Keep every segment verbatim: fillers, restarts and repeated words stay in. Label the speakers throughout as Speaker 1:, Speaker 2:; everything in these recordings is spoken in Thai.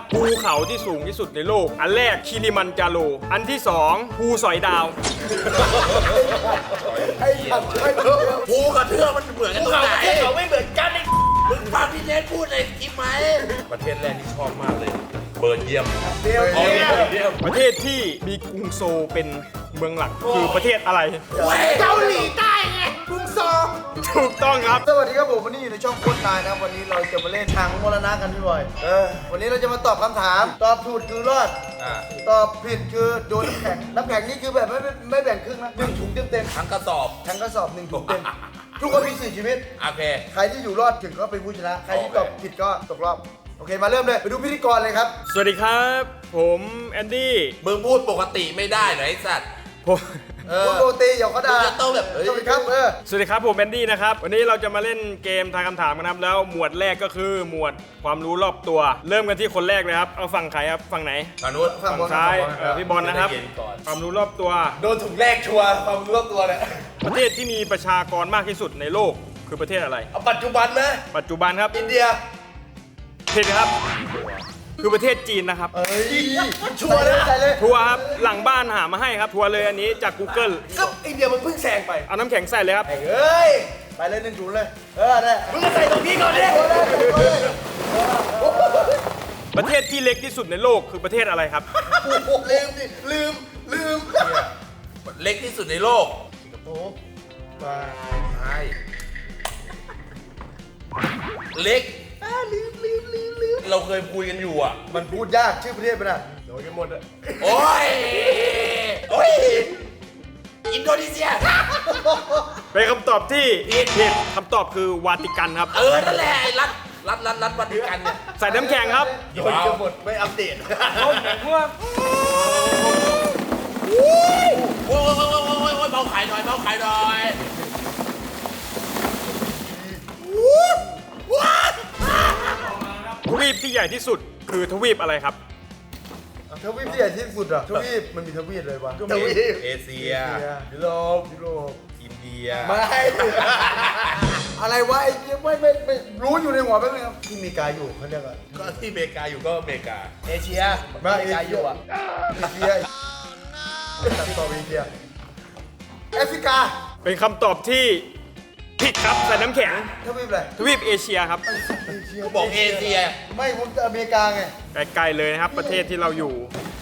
Speaker 1: ภูเขาที่สูงที่สุดในโลกอันแรกคิริมันจาโรอันที่สองภูสอยดาว
Speaker 2: ไอ้ผัดไอ้ภูกับเทือกมันเหมือนกันตรงไหนเขาไม่เหมือนกันไอ้มึงฟังพี่เนทพูดในคลิปไหมประเทศแรกที่ชอบมากเลยเบิร์ดเยี่ยมเยี่ยม
Speaker 1: ประเทศที่มีกรุงโซลเป็นเมืองหลักคือประเทศอะไร
Speaker 2: เกาหลีใต้ไงกรุงโซล
Speaker 1: ถูกต้องครับ
Speaker 3: สวัสดีครับผมวันนี้อยู่ในช่องโค้ชนายนะครับวันนี้เราจะมาเล่นทางมรณะกันพี่บอยเออวันนี้เราจะมาตอบคำถาม ตอบถูกคือรอดตอบผิดคือโดนน้ำแข็งน้ำแข็งนี่คือแบบไม่ไม่ไม่แบ่งครึ่งนะหนึ่งถุงเต็มเต็ม
Speaker 2: ทั้งกระสอบ
Speaker 3: ๆทั้งกระสอบหนึ่งถุงเต็มทุกคนมีสี่ชีวิต
Speaker 2: โอเค
Speaker 3: ใครที่อยู่รอดถึงก็เป็นผู้ชนะ ใครที่ตอบผิดก็ตกรอบโอเคมาเริ่มเลยไปดูพิธีกรเลยครับ
Speaker 1: สวัสดีครับ ผมแอนดี้
Speaker 2: มึงพูดปกติไม่ได้เหรอไอ้สัตว์
Speaker 1: ผม
Speaker 3: คุณโบตีอย่าเขาด่า
Speaker 2: มึงจะต้องแบบเอ้ย
Speaker 3: สวัสดีครับเออ
Speaker 1: สวัสดีครับผมแอนดี้นะครับวันนี้เราจะมาเล่นเกมทายคำถามกันครับแล้วหมวดแรกก็คือหมวดความรู้รอบตัว เริ่มกันที่คนแรกเลยครับเอาฝั่งใครครับฝั่งไหน
Speaker 2: ฝั่งนู้น
Speaker 3: ฝั่ง
Speaker 1: ฝั่ง
Speaker 3: บอล
Speaker 1: ซ้าย
Speaker 3: ฝั่งบอล
Speaker 1: เอ่อพี่บอลนะครับ
Speaker 2: เย็นก่อน
Speaker 1: ความรู้รอบตัว
Speaker 3: โดนถุงแรกชัวร์ความรู้รอบตัวเนี่ย
Speaker 1: ประเทศที่มีประชากรมากที่สุดในโลกคือประเทศอะไร
Speaker 3: เอาปัจจุบันนะ
Speaker 1: ปัจจุบันครับ
Speaker 3: อินเดีย
Speaker 1: ผิดครับ คือประเทศจีนนะครับ
Speaker 3: เอ้ยชัวร์เลยใส่เลย
Speaker 1: ทัวร์ครับหลังบ้านหามาให้ครับทัวร์เลยอันนี้จาก Google
Speaker 3: ก็อินเดียมันเพิ่งแซงไป
Speaker 1: เอาน้ำแข็งใส่เลยครับ
Speaker 3: เอ้ยไปเลยหนึ่งถุงเลยเออได้มึงก็ใส่ตรงนี้ก่อนเลย
Speaker 1: ประเทศที่เล็กที่สุดในโลกคือประเทศอะไรครับ
Speaker 3: ลืมดิลืมลืม
Speaker 2: เล็กที่สุดในโลก
Speaker 3: สิงคโปร์มา
Speaker 2: ใช่เล็ก
Speaker 3: ลืมลืมลืมลืม
Speaker 2: เราเคยคุยกันอยู่อ่ะ
Speaker 3: มันพูดยากชื่อประเทศมันอ่ะโดนกันหมดอ่ะ
Speaker 2: โอ้ย โอ้ย อินโดนีเซีย
Speaker 1: เป็นคำตอบที่ผิดคำตอบคือวาติกันครับ
Speaker 2: เออ นั่นแหละไอ้รัฐรัฐรัฐรัฐวัติกันเนี่ย
Speaker 1: ใส่น้ำแข็งครับ
Speaker 3: โดนกันหมดไม่อัปเดต
Speaker 2: โอ้ยโอ้ยโอ้ยโอ้ยโอ้ยโอ้ยเบาขายหน่อยเบาขายหน่อย
Speaker 1: ทวีปที่ใหญ่ที่สุดคือทวีปอะไรครับ
Speaker 3: ทวีปที่ใหญ่ที่สุดอ่ะทวีปมันมีทวีปเลยวะทวีป
Speaker 2: เอเชีย
Speaker 3: ยุโรปยุโรป
Speaker 2: อินเดีย
Speaker 3: ไม่อะไรวะไอ้เหี้ยไม่ไม่ไม่รู้อยู่ในหัวแป๊บนึงครับที่มีกาอยู่เขาเรียกว่า
Speaker 2: ก็ที่อเมริกาอยู่ก็อเมริกา
Speaker 3: เอเชียมาเอเชียอยู่อ่ะเอเชียตัดต่อเอเชียแอฟริกา
Speaker 1: เป็นคำตอบที่ผิดครับใส่น้ำแข็ง
Speaker 3: ทวีปอะไร
Speaker 1: ทวีปเอเชียครับ
Speaker 3: เอเชีย
Speaker 2: ก็บอกเอเชีย
Speaker 3: ไม่ผมจะอเมริกาไง
Speaker 1: ไกลๆเลยนะครับ ประเทศที่เราอยู่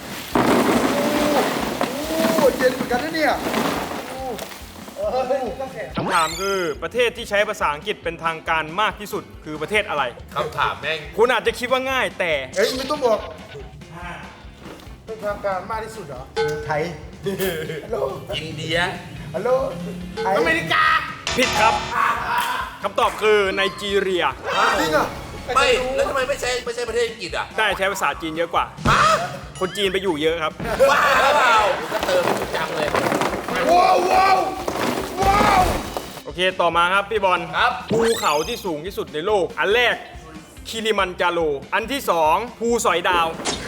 Speaker 3: โอ้เย็นเหมือนกันนะเนี่ยโอ้เออต้องแข่ง
Speaker 1: คำถามคือประเทศที่ใช้ภาษาอังกฤษเป็นทางการมากที่สุดคือประเทศอะไร
Speaker 2: คำถามแม่ง
Speaker 1: คุณอาจจะคิดว่าง่ายแต่
Speaker 3: เฮ้ยไม่ต้องบอกเป็นทางการมากที่สุดเหรอไทยฮัลโหล
Speaker 2: อินเดีย
Speaker 3: ฮัลโหลไทย
Speaker 2: อเมริกา
Speaker 1: ผิดครับคำตอบคือไนจีเรีย
Speaker 3: จริงเหรอ
Speaker 2: ไม่ แล้วทำไมไม่ใช่ไม่ใช่ประเทศอังกฤษอ่ะ
Speaker 1: ได้ใช้ภาษาจีนเยอะกว่า
Speaker 2: ฮะ
Speaker 1: คนจีนไปอยู่เยอะครับ
Speaker 2: ว้าวก็เติมจังเลย
Speaker 3: ว้าวว้าวว้าว
Speaker 1: โอเคต่อมาครับพี่บอล
Speaker 2: ครับ
Speaker 1: ภูเขาที่สูงที่สุดในโลก อันแรกคิริมันจาโรอันที่สองภูสอยดาว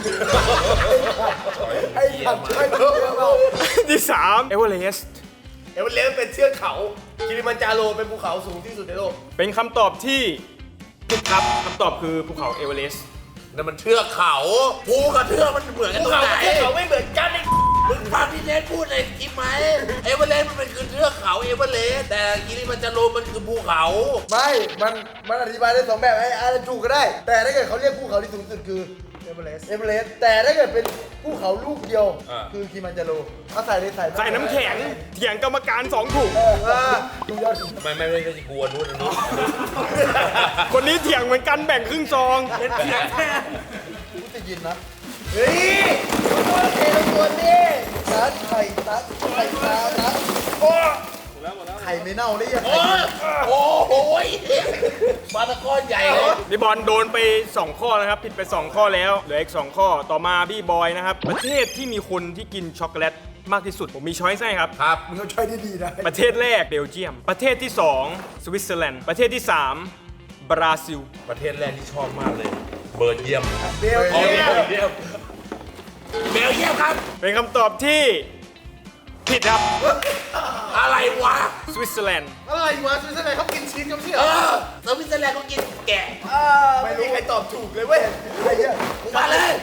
Speaker 3: ไอ้ผัดไอ้เพิ่มเรา
Speaker 1: อันที่สามเอเวอเรสต์
Speaker 3: เอเวอเรสต์เป็นเทือกเขาคิริมันจาโรเป็นภูเขาสูงที่สุดในโลก
Speaker 1: เป็นคำตอบที่ผิดครับคำตอบคือภูเขาเอเวอเรสต์
Speaker 2: นั่นมันเทือกเขาภูกับเทือกมันเหมือนกันตรงไหน
Speaker 3: เทือกเขาไม่เหมือนกันไอ้
Speaker 2: มึงฟังพี่เนทพูดในคลิปไหมเอเวอเรสต์มันเป็นคือเทือกเขาเอเวอเรสต์แต่กิริมันจาโรมันคือภูเขา
Speaker 3: ไม่ มัน มันอธิบายได้สองแบบไอ้อะไรถูกก็ได้ แต่ถ้าเกิดเขาเรียกภูเขาที่สูงสุดคือเอเวอเรสต์เอเวอเรสต์แต่ถ้าเกิดเป็นภูเขาลูกเดียว คือคิมันจาโรเอาใส่เลยใส่
Speaker 1: ใส่น้ำแข็งเถียงกรรมการสองถุง
Speaker 3: เออว่าดูยอด
Speaker 2: ไม่ไม่ไม่ใช่กลัวนู้นอันนู้น
Speaker 1: คนนี้เถียงเหมือนกันแบ่งครึ่งซอง
Speaker 3: กูจะยินนะ เฮ้ยตัวเทลงตัวนี้ตัดไข่ตัดไข่ตาตัดโอ้ไข่ไม่เน่าได้ยังไง
Speaker 2: โอ้โหปลาตะก้อนใหญ่เลย
Speaker 1: พี่บอลโดนไปสองข้อนะครับผิดไปสองข้อแล้วเหลืออีกสองข้อต่อมาพี่บอยนะครับประเทศที่มีคนที่กินช็อกโกแลตมากที่สุดผมมีช้อยส์ให้ครับ
Speaker 2: ครับ
Speaker 3: มึงต้องช่วยดีๆนะ
Speaker 1: ประเทศแรกเบลเยียม ประเทศที่สองสวิตเซอร์แลนด์ประเทศที่สามบราซิล
Speaker 2: ประเทศแรกที่ชอบมากเลย เบิร์ดเยี่ยม
Speaker 3: เบลเยียม
Speaker 2: เยี่ยมเบลเยี่ยมครับ
Speaker 1: เป็นคำตอบที่ผิดครับ
Speaker 2: อะไรวะ
Speaker 1: สวิตเซอร์แลนด์
Speaker 3: อะไรวะสวิตเซอร์แลนด์เขากินชีสกันไม่ใช่เห
Speaker 2: เอ
Speaker 3: รอ
Speaker 2: อสวิตเซอร์แลนด์เขากินแกะ
Speaker 3: ไม่มีใครตอบถูกเลยเว้ยไอ้เหี้ย
Speaker 2: มาเลย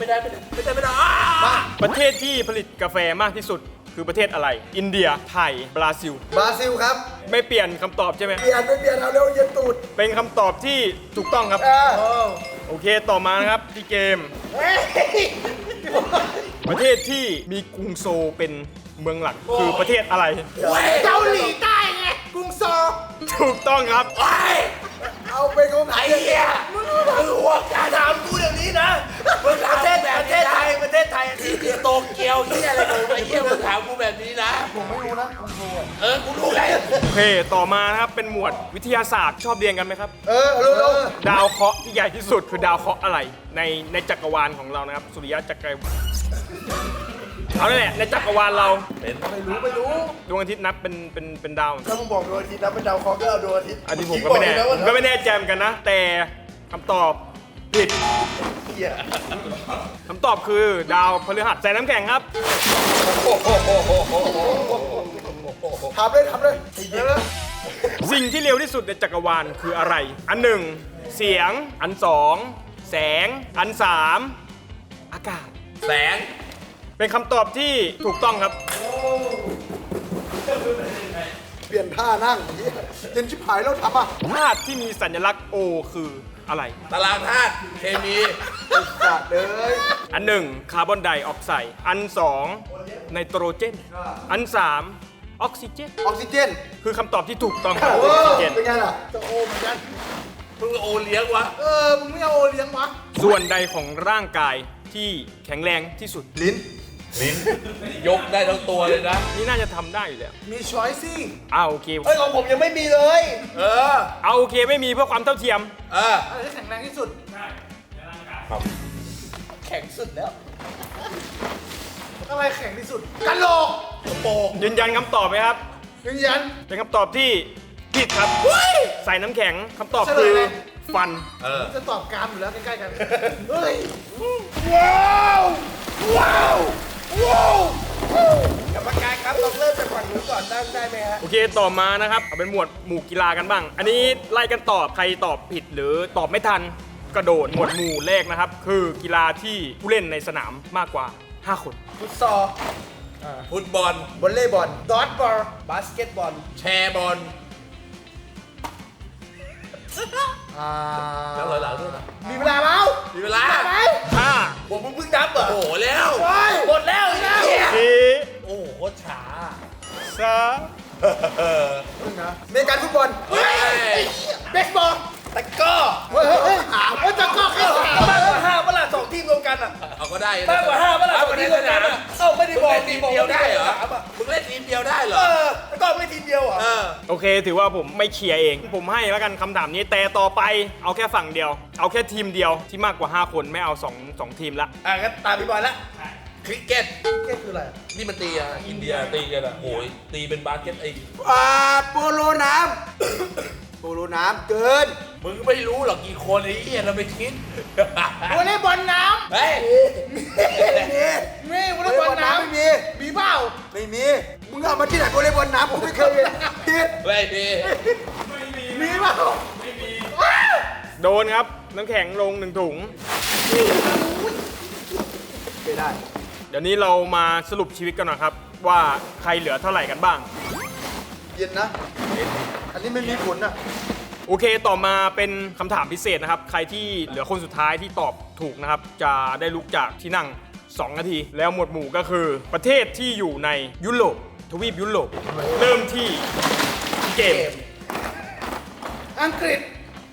Speaker 2: ไม่ได้ไม่ได้ไม่ได้ไม่ได้อ้า
Speaker 1: ประเทศที่ผลิตกาแฟมากที่สุดคือประเทศอะไร อินเดีย ไทย บราซิล
Speaker 3: บราซิลครับ
Speaker 1: ไม่เปลี่ยนคำตอบใช่ไหม
Speaker 3: เปลี่ยนไม่เปลี่ยนเอาเร็วเย็นตูด
Speaker 1: เป็นคำตอบที่ถูกต้องครับ
Speaker 3: เออ
Speaker 1: โอเค ต่อมานะครับที่เกม
Speaker 3: เฮ้ย
Speaker 1: ประเทศที่มีกรุงโซลเป็นเมืองหลักคือประเทศอะไร
Speaker 3: เกาหลีใต้ไงกรุงโซล
Speaker 1: ถูกต้องครับ
Speaker 2: ไอ้
Speaker 3: เอาเป็นของไท
Speaker 2: ไอ้
Speaker 3: ย
Speaker 2: เหี้ยมึงหัวการถามกูอย่างนี้นะมึงถามแบบประเทศไทยประเทศไทยที่โตเกียวที่อะไรของไอ้เหี้ยมึงถามกูแบบนี้นะ
Speaker 3: ผมไม่รู้นะกรุงโซล
Speaker 2: เออกูรู้ไง
Speaker 1: โอเค ต่อมานะครับ เป็นหมวดวิทยาศาสตร์ชอบเรียนกันไหมครับ
Speaker 3: เออเร็วเร็ว
Speaker 1: ดาวเคราะห์ที่ใหญ่ที่สุดคือดาวเคราะห์อะไร ในในจักรวาลของเรานะครับ สุริยะจักรวาลเอาเนี่ยแหละในจักรวาลเรา
Speaker 3: ไม่รู้ไม่รู้
Speaker 1: ดวงอาทิตย์นับเป็นเป็นเป็นดาว
Speaker 3: ถ้ามึงบอกดวงอาทิตย์นะเป็นดาวเคราะห์ก็เอาดวงอาทิตย์
Speaker 1: อันนี้ผมก็ไม่แน่ผมก็ไม่แน่ใจเหมือนกันนะ แต่คำตอบผิด
Speaker 3: เหี้ย
Speaker 1: คำตอบคือดาวพฤหัสใส่น้ำแข็งครับ
Speaker 3: ถามเลยถามเลยเดี๋ยวนะ
Speaker 1: สิ่งที่เร็วที่สุดในจักรวาลคืออะไร อันหนึ่งเสียง อันสองแสง อันสามอากาศ
Speaker 2: แสง
Speaker 1: เป็นคำตอบที่ถูกต้องครับ
Speaker 3: เปลี่ยนท่านั่งเหี้ยเย็นชิบหายแล้วทำอ่ะ
Speaker 1: ธาตุที่มีสัญลักษณ์ O คืออะไร
Speaker 2: ตารางธาตุเคมี
Speaker 3: สัตว์เลย
Speaker 1: อันหนึ่งคาร์บอนไดออกไซด์ อันสองไนโตรเจน อันสามออกซิเจน
Speaker 3: ออกซิเจน
Speaker 1: คือคำตอบที่ถูกต้องครับ
Speaker 3: โอ้
Speaker 1: ออกซิเจน
Speaker 3: เป็นไงล่ะจะโอเหมือนกัน
Speaker 2: มึงโอเลี้ยงวะ
Speaker 3: เออมึงไม่เอาโอเลี้ยงวะ
Speaker 1: ส่วนใดของร่างกายที่แข็งแรงที่สุด
Speaker 3: ลิ้น
Speaker 2: ลิ้นยกได้ทั้งตัวเลยนะ
Speaker 1: นี่น่าจะทำได้อยู่แล้ว
Speaker 3: มีช้อยซี่
Speaker 1: อ้าวโอเค
Speaker 3: เอ้ยของผมยังไม่มีเลย
Speaker 2: เออ
Speaker 1: เอาโอเคไม่มีเพื่อความเท่าเทียม
Speaker 2: เออ
Speaker 3: อะไรที่แข็งแรงที่สุดแข็งสุดแล้วอะไรแข็งที่สุดกะโหลกกระโปรง
Speaker 1: ยืนยันคำตอบไหมครับ
Speaker 3: ยืนยัน
Speaker 1: เป็นคำตอบที่ผิดครับ ใส่น้ำแข็งคำตอบ
Speaker 3: เฉล
Speaker 1: คื
Speaker 3: ย
Speaker 1: อ
Speaker 3: เลย
Speaker 1: ฟัน
Speaker 2: เออ
Speaker 3: จะตอบกรามอยู่แล้วใกล้ๆกันเฮ้ยว้าวว้าวว้าวกรรมการครับต้องเริ่มจากฝั่งนู้นก่อนได้ได้ไหมฮะ
Speaker 1: โอเค ต่อมานะครับเอาเป็นหมวดหมู่กีฬากันบ้าง อันนี้ไล่กันตอบ ใครตอบผิดหรือตอบไม่ทันกระโดดหมวดหมู่แรกนะครับ คือกีฬาที่ผู้เล่นในสนามมากกว่า ห้า คน
Speaker 3: ฟุตซอล
Speaker 2: ฟุตบอล
Speaker 3: วอลเลย์บอลดอทบอลบาสเกตบอล
Speaker 2: แชร์บอล
Speaker 3: อ่า
Speaker 2: แล้วหลังๆด้วยนะ
Speaker 3: มีเวลาแล้ว
Speaker 2: มีเวลา
Speaker 3: ไหม
Speaker 1: ห้า
Speaker 2: ผมเพิ่งนับเหรอโอ้โหแล้ว
Speaker 3: ไป
Speaker 2: หมดแล้วอีกแล้ว
Speaker 1: สี่
Speaker 2: โอ้โหโคตรช้า
Speaker 1: สาม
Speaker 3: เมกันฟุตบอล
Speaker 2: เฮ้ย
Speaker 3: เบสบอล
Speaker 2: ตะกร้อ
Speaker 3: เฮ้ยเฮ้ยเฮ้ยเฮ้ยจะก็แค่สาม
Speaker 4: มากกว่าห้าเมื่อไหร่สองทีมรวมกันอ่ะ
Speaker 2: เอาก็ได้
Speaker 4: มากกว่าห้าเมื่อไหร่สองทีมรวมกันอ่ะเอ้าไม่ได้
Speaker 2: มึง
Speaker 4: บอก
Speaker 2: เล่นทีมเดียวได้เหรอ
Speaker 4: สามอ่ะ
Speaker 2: มึงเล่นทีมเดียวได้เหร
Speaker 4: เอ
Speaker 2: อ
Speaker 4: อแล้วก็ไม่ทีมเดียวเหรอ
Speaker 2: เออ
Speaker 1: โอเค ถือว่าผมไม่เคลียร์เอง ผมให้แล้วกันคำถามนี้ แต่ต่อไปเอาแค่ฝั่งเดียว เอาแค่ทีมเดียวที่มากกว่า ห้า คนไม่เอา2 2ทีมละ
Speaker 4: อ่ะงั้นตามพี่บอยละ
Speaker 2: คริกเก็ต
Speaker 3: เก็ตคืออะไร
Speaker 2: นี่มันตีอ่ะ อินเดียตีกันอ่ะโอ้ยตีเป็นบาสเกตไอ้
Speaker 3: อ่าโปโลน้ำโปโลน้ำเกิน
Speaker 2: มึงไม่รู้หรอกกี่คนไอ้เหี้ยเราไปคิด
Speaker 3: วอลเลย์บอลน้
Speaker 2: เฮ้ย
Speaker 3: ำไม่มีมีวอลเลย์บอลน้ำไม่มีมีเปล่าไม่มีมึงเอามาที่ไหนวอลเลย์บอลน้ำผมไม่เคยเห็นผิด
Speaker 2: ไม่ดี
Speaker 3: มีเปล่า
Speaker 1: โดนครับ น้ำแข็งลงหนึ่งถุง
Speaker 3: ไม่ได้
Speaker 1: เดี๋ยวนี้เรามาสรุปชีวิตกันหน่อยครับ ว่าใครเหลือเท่าไหร่กันบ้าง
Speaker 3: เย็นนะอันนี้ไม่มีผลนะ
Speaker 1: โอเค ต่อมาเป็นคำถามพิเศษนะครับ ใครที่เหลือคนสุดท้ายที่ตอบถูกนะครับ จะได้ลุกจากที่นั่ง สอง นาที แล้วหมวดหมู่ก็คือประเทศที่อยู่ในยุโรป ทวีปยุโรป เริ่มที่เกม
Speaker 3: อังกฤษ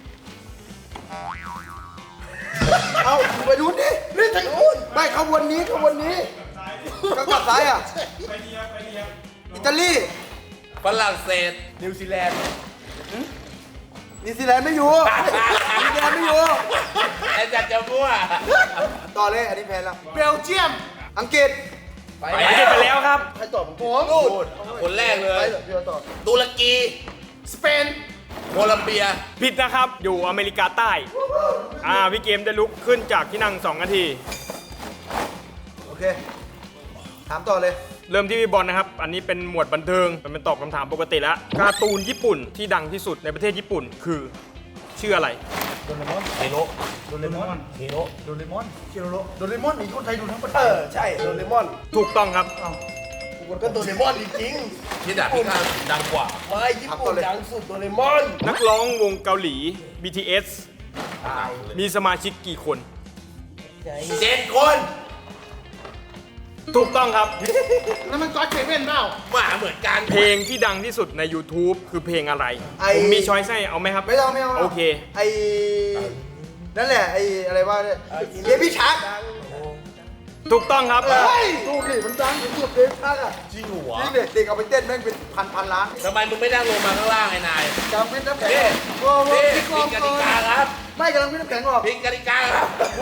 Speaker 3: เอาไปดูนี่นี่ทางนู้นไม่เขาวนนี้เขาวนนี้เขากลับซ้ายอ่ะอิตาลี
Speaker 2: ฝรั่งเศส
Speaker 4: นิวซีแลนด์
Speaker 3: นิวซีแลนด์ไม่อยู่นิวซีแลนด์ไม่อยู่
Speaker 2: ไอ้จัดจะมั่ว
Speaker 3: ต่อเลยอันนี้แพ้แล้ว
Speaker 4: เบลเยียม
Speaker 3: อังกฤษ
Speaker 2: ไป
Speaker 1: ไปเก็บไปแล้วครับ
Speaker 3: ใครตอบผม
Speaker 2: นู่นคนแรกเล
Speaker 3: ไป
Speaker 2: ย
Speaker 3: เถอะพี่เอาตอบ
Speaker 2: ตุรกี
Speaker 4: สเปน
Speaker 2: โคลัมเบีย
Speaker 1: ผิดนะครับ อยู่อเมริกาใต้ อ่า พี่เกมได้ลุกขึ้นจากที่นั่ง สอง นาที
Speaker 3: โอเคถามต่อเลย
Speaker 1: เริ่มที่พี่บอลนะครับ อันนี้เป็นหมวดบันเทิงมันเป็นตอบคำถามปกติแล้ว การ์ตูนญี่ปุ่นที่ดังที่สุดในประเทศญี่ปุ่นคือชื่ออะไร
Speaker 3: โดเรมอน
Speaker 2: เฮโร่
Speaker 3: โดเรมอน
Speaker 2: เฮโร่
Speaker 3: โดเรมอนเคีโรโรโดเรมอนนี่คนไทยดูทั้งประเท
Speaker 4: เอ
Speaker 3: ศ
Speaker 4: อใช่โดเรมอน
Speaker 1: ถูกต้องครับ
Speaker 4: ก็โดเรมอนจริง
Speaker 2: ที่ดาบพิฆาตดังกว่า
Speaker 4: ๆไม่ญี่ปุ่นดังสุดโดเรมอน
Speaker 1: นักร้องวงเกาหลี บี ที เอส มีสมาชิกกี่คน
Speaker 2: เจ็ดคน
Speaker 1: ถูกต้องครับ
Speaker 4: แล้วมันก็อดเซเว่นเปล่า
Speaker 2: หมาเหมือนกัน
Speaker 1: เพลงที่ดังที่สุดใน YouTube คือเพลงอะไร
Speaker 3: ไอ้
Speaker 1: ผมมีช้อยส์ให้เอาไหมครับ
Speaker 3: ไม่ต้องไม่ต้อง
Speaker 1: โอเค
Speaker 3: ไอนั่นแหละไออะไรว่าเนี่ยเบบี้ชาร์ก
Speaker 1: ถูกต้องครับ
Speaker 3: เฮ้ยดูดิมันดังสุดเบบี้ชาร์กอ่ะ
Speaker 2: จริงหัว
Speaker 3: นี่เด็กเด็กเอาไปเต้นแม่งเป็นพันพันล้าน
Speaker 2: ทำไมมึงไม่นั่งลงมาข้างล่างไอ้นาย
Speaker 3: กำเป็นน้ำแข็ง
Speaker 2: นี่
Speaker 3: โอ้โห
Speaker 2: นี่
Speaker 3: พี่ก
Speaker 2: ผิ
Speaker 3: อ
Speaker 2: ด
Speaker 3: ง
Speaker 2: กติกาครับ
Speaker 3: ไม่กำลังเป็นน้ำแข็งหรอก
Speaker 2: ผิดกติกาครับ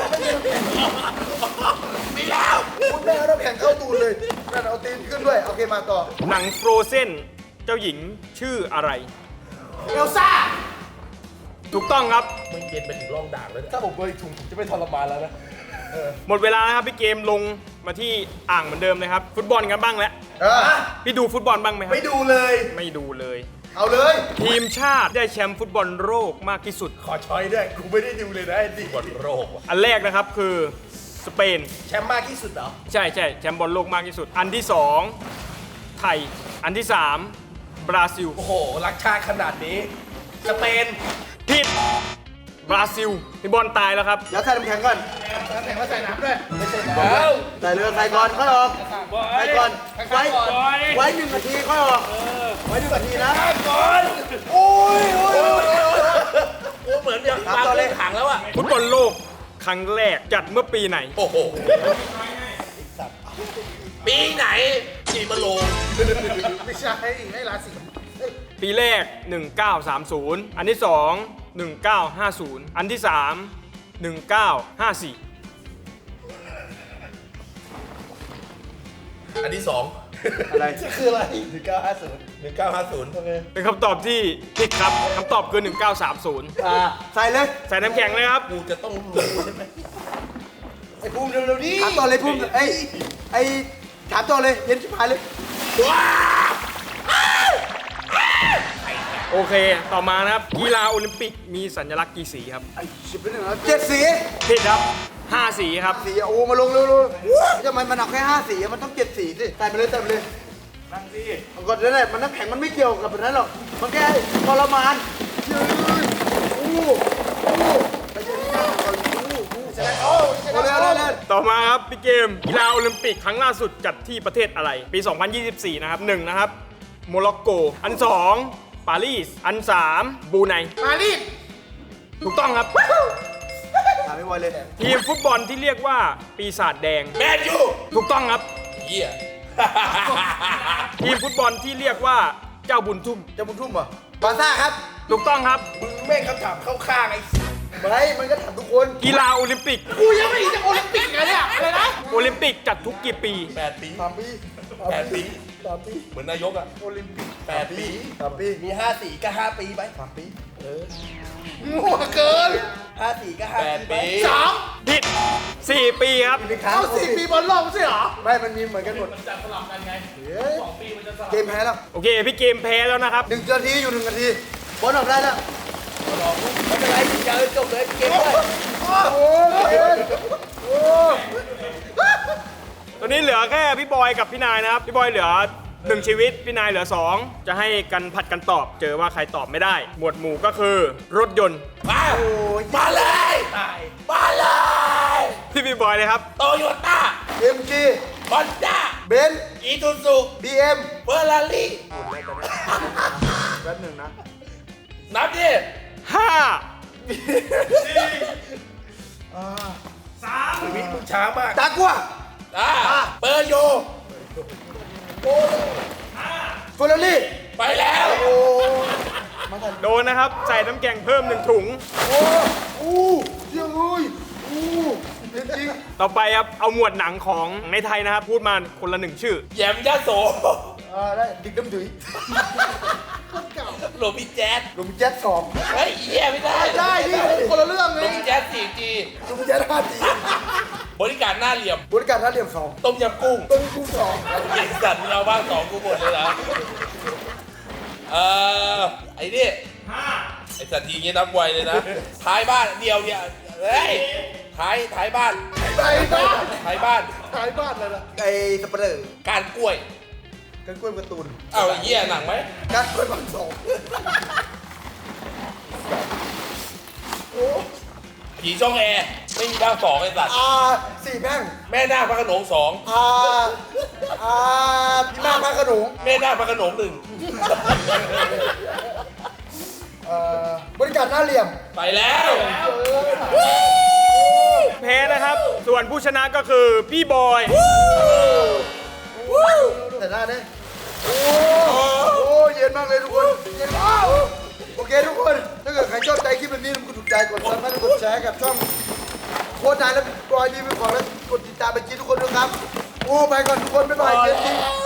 Speaker 2: มีแล้ว
Speaker 3: คุณแม่เอาน้ำแข็งเข้าตูดเลยนั่นเอาตีนขึ้นด้วยโอเคมาต่อ
Speaker 1: หนังโฟรเซนเจ้าหญิงชื่ออะไร
Speaker 4: เอลซ่า
Speaker 1: ถูกต้องครับ
Speaker 2: มึงเย็นไปถึงร่องด่างแล้วเนี่ย
Speaker 4: ถ้าผมเบยถุงผมจะไม่ทรมานแล้วนะ
Speaker 1: หมดเวลานะครับพี่เกมลงมาที่อ่างเหมือนเดิมเลยครับ ฟุตบอลกันบ้างแล้ว
Speaker 3: เออ
Speaker 1: พี่ดูฟุตบอลบ้างไหมครับ
Speaker 4: ไม่ดูเลย
Speaker 1: ไม่ดูเลย
Speaker 3: เอาเลย
Speaker 1: ทีมชาติได้แชมป์ฟุตบอลโลกมากที่สุด
Speaker 4: ขอช้อยด้วย กูไม่ได้ดูเลยนะไอ้ดิ
Speaker 2: บอลโรคว่ะ
Speaker 1: อันแรกนะครับคือสเปน
Speaker 4: แชมป์มากที่สุดเหรอ
Speaker 1: ใช่ใช่แชมป์บอลโลกมากที่สุด อันที่สองไทย อันที่สามบราซิล
Speaker 4: โอ้โห รักชาติขนาดนี้ สเปน
Speaker 1: ผิดบราซิลพี่บอลตายแล้วครับ
Speaker 3: เดี๋ยวใส่น้ำแข็งก่อน
Speaker 4: น้ำแข็งมาใส่น้ำด้วย ไม่ใช่น้ำ
Speaker 2: แล้ว
Speaker 3: ใส่เรือใส่ก่อนค่อยออกใส่ก่อนไว้ไว้หนึ่งนาทีค่อยออกไว้หนึ่งนาทีนะ
Speaker 4: ก่อน
Speaker 3: โอ้ยโอ้ยโอ้ยโอ้ย
Speaker 2: โอ้เหมือนอย่าง
Speaker 3: ถาม
Speaker 2: วาง
Speaker 3: ต่อเลย
Speaker 2: เรื่องขังแล้วอ่ะ
Speaker 1: ฟุตบอลโลกครั้งแรกจัดเมื่อปีไหน
Speaker 2: โอ้โห ปีไหนปีมะโรง
Speaker 4: ไม่ใช่ให้ราศี
Speaker 1: ปีแรก หนึ่งเก้าสามศูนย์ อันที่สองหนึ่งเก้าห้าศูนย์ อันที่สามหนึ่งเก้าห้าสี่
Speaker 2: อันที่สอง
Speaker 3: อะไร
Speaker 4: คืออะไรหนึ่งเก้าห้าศูนย์
Speaker 2: หนึ่งเก้าห้าศูนย์
Speaker 1: เป็นคำตอบที่ผิดครับคำตอบคือหนึ่งเก้าสามศูนย์
Speaker 3: อ่าใส่เลย
Speaker 1: ใส่น้ำแข็งเลยครับ
Speaker 2: กูจะต้องรู้ใช่ไหม
Speaker 4: ไอ้ภูมิเร็วๆดิ
Speaker 3: ถามต่อเลยพุ่มไอ้ไอ้ถามต่อเลยเย็นชิบหายเลย
Speaker 2: ว้า
Speaker 1: โอเค ต่อมานะครับ กีฬาโอลิมปิกมีสัญลักษณ์กี่สีครับ
Speaker 3: ไอ้ชิบเป็นหนึ่งแล้วเจ็ดสี
Speaker 1: ผิดครับห้าสีครับ
Speaker 3: สีโอ้มาลงเร็วๆทำไมมันเอาแค่ห้าสีมันต้องเจ็ดสีสิใส่ไปเลยใส่ไปเลยนั่งสิก่อนนั่นแหละมันน้ำแข็งมันไม่เกี่ยวกับแบบนั้นหรอกมันแค่ทรมานยืนอู้อู้ไปเจอที่หน้าก่อนอู้อู้ใช่ไหมโอ้เร็วเร็วเร็ว
Speaker 1: ต่อมาครับพี่เกม กีฬาโอลิมปิกครั้งล่าสุดจัดที่ประเทศอะไร ปี สองพันยี่สิบสี่ นะครับหนึ่งนะครับ โมร็อกโก อันสองปารีส อันสามบรูไน
Speaker 4: ปารีส
Speaker 1: ถูกต้องครับ
Speaker 3: ถามไม่ไหวเลย
Speaker 1: ทีมฟุตบอลที่เรียกว่าปีศาจแดง
Speaker 2: แมนยู
Speaker 1: ถูกต้องครับ
Speaker 2: เหี้ย
Speaker 1: ทีมฟุตบอลที่เรียกว่าเจ้าบุญทุ่ม
Speaker 3: จะบุญทุ่มเหรอ บาซ่าครับ
Speaker 1: ถูกต้องครับ
Speaker 4: มึงแม่งคำถามเข้าข้างไอ้
Speaker 3: ไม่มันก็ถามทุกคน
Speaker 1: กีฬาโอลิมปิก
Speaker 4: กูยังไม่เห็นจะโอลิมปิกเลยเนี่ยอะไรนะ
Speaker 1: โอลิมปิกจัดทุกกี่ปี
Speaker 2: แปดปี
Speaker 3: สามปี
Speaker 2: แปดปี
Speaker 3: สามปี
Speaker 2: เหมือนนายกอ่ะ
Speaker 3: โอลิมปิก
Speaker 2: แปดปี
Speaker 3: สามปี
Speaker 4: มีห้าสี่ก็ห้าปีไป
Speaker 3: สามปี
Speaker 4: มั่วเกินห้าสี่ก็ห้า
Speaker 2: แปด
Speaker 4: ปี
Speaker 2: ปี
Speaker 4: สอง
Speaker 1: ผิดสี่ปีครับ
Speaker 3: ปีค้าง
Speaker 4: เอาสี่ปีบอลโลกไม่ใช่เหรอ
Speaker 3: ไม่มันมีเหมือนกันหมดมันจะสลับกันไงสองปีมันจะสลับเกมแพ้แล้ว
Speaker 1: โอเค พี่เกมแพ้แล้วนะครับ
Speaker 3: หนึ่งนาทีอยู่หนึ่งนาทีบอลออกได้แล้ว
Speaker 4: ไม่เป็นไรเจอจบเลยเกมเลย
Speaker 3: โอ้ยโอ้
Speaker 1: ตอนนี้เหลือแค่พี่บอยกับพี่นายนะครับ พี่บอยเหลือหนึ่งชีวิต พี่นายเหลือสองจะให้กันผัดกันตอบ เจอว่าใครตอบไม่ได้ หมวดหมู่ก็คือ รถยนต์
Speaker 2: มามาเลย
Speaker 4: ตาย
Speaker 2: มาเลย
Speaker 1: พี่พี่บอยเลยครับ
Speaker 2: โตโยต้า
Speaker 3: เอ็มจี
Speaker 2: ฮอนด้า
Speaker 3: เบนซ์
Speaker 2: อีซูซู
Speaker 3: บีเอ็ม
Speaker 2: เฟอร์รารี่
Speaker 3: แป๊บหนึ่งนะ
Speaker 2: นับดิ
Speaker 1: ห้า
Speaker 4: ชีวิตมึงช้ามาก
Speaker 3: จากกัว
Speaker 2: อ่าเปอร์โย
Speaker 3: เฟอร์รารี่
Speaker 2: ไปแล้ว
Speaker 3: โอ้
Speaker 1: โดนนะครับ ใส่น้ำแกงเพิ่มหนึ่งถุง
Speaker 3: โอ้อู้เยี่ยมเลยอู้จริง
Speaker 1: ต่อไปครับ เอาหมวดหนังของในไทยนะครับ พูดมาคนละหนึ่งชื่อ
Speaker 2: แยมยาโส
Speaker 3: ๆอ่าได้ดิกดำดุย
Speaker 2: โรบินแจ๊ส
Speaker 3: ลุงแจ๊ดสอง
Speaker 2: เฮ้ยเหี้ยไม่ได้
Speaker 3: ได้ดิคนละเรื่อง
Speaker 2: โร
Speaker 3: เลย
Speaker 2: บินแจ๊ส สี่จี
Speaker 3: ลุงแจ๊ดห้าจี
Speaker 2: บริการหน้าเหลี่ยม
Speaker 3: บริการท่าเหลี่ยมสอง
Speaker 2: ต้มยำกุ้ง
Speaker 3: ต้นกุ้งสอง
Speaker 2: ไอ้สัตว์เราบ้างสองกูหมดเลยเหรอเอ่อไอ้นี่ไอ้สัตว์ทีงี้นับไวเลยนะ ท้ายบ้านเดียวเนี่ยเฮ้ยท้ายท้ายบ้าน
Speaker 3: ไปบ้าน
Speaker 2: ท้ายบ้าน
Speaker 3: ขายบ้านเลยนะไอ้สเปรย์
Speaker 2: การกล้วย
Speaker 3: กันกล้วยการ์ตูน
Speaker 2: เอาไอ้เหี้ยหนังไหม
Speaker 3: กันกล้วยบางสอง
Speaker 2: ผีช่องแอร์ไม่มีบ้างสองไอ้สัตว์
Speaker 3: อ่าสี่แพร่ง
Speaker 2: แม่นาคพระโขนงสอง
Speaker 3: อ่าอ่าพี่มากพระโขนง
Speaker 2: แม่นาคพระโขนงหนึ่ง
Speaker 3: เอ่อบริการหน้าเหลี่ยม
Speaker 2: ไปแล้ว
Speaker 1: แพ้นะครับ ส่วนผู้ชนะก็คือพี่บอย
Speaker 3: แต่หน้าเนี่ยโอ้โหเย็นมากเลยทุกคนเย็นมากโอเคทุกคนถ้าเกิดใครชอบใจคลิปแบบนี้กดถูกใจกดซับและกดแชร์กับช่องโค้ชนายและบอยดีเป็นของและกดติดตามไปจีทุกคนด้วยครับโอ้ไปก่อนทุกคนบ๊ายบายเจนจี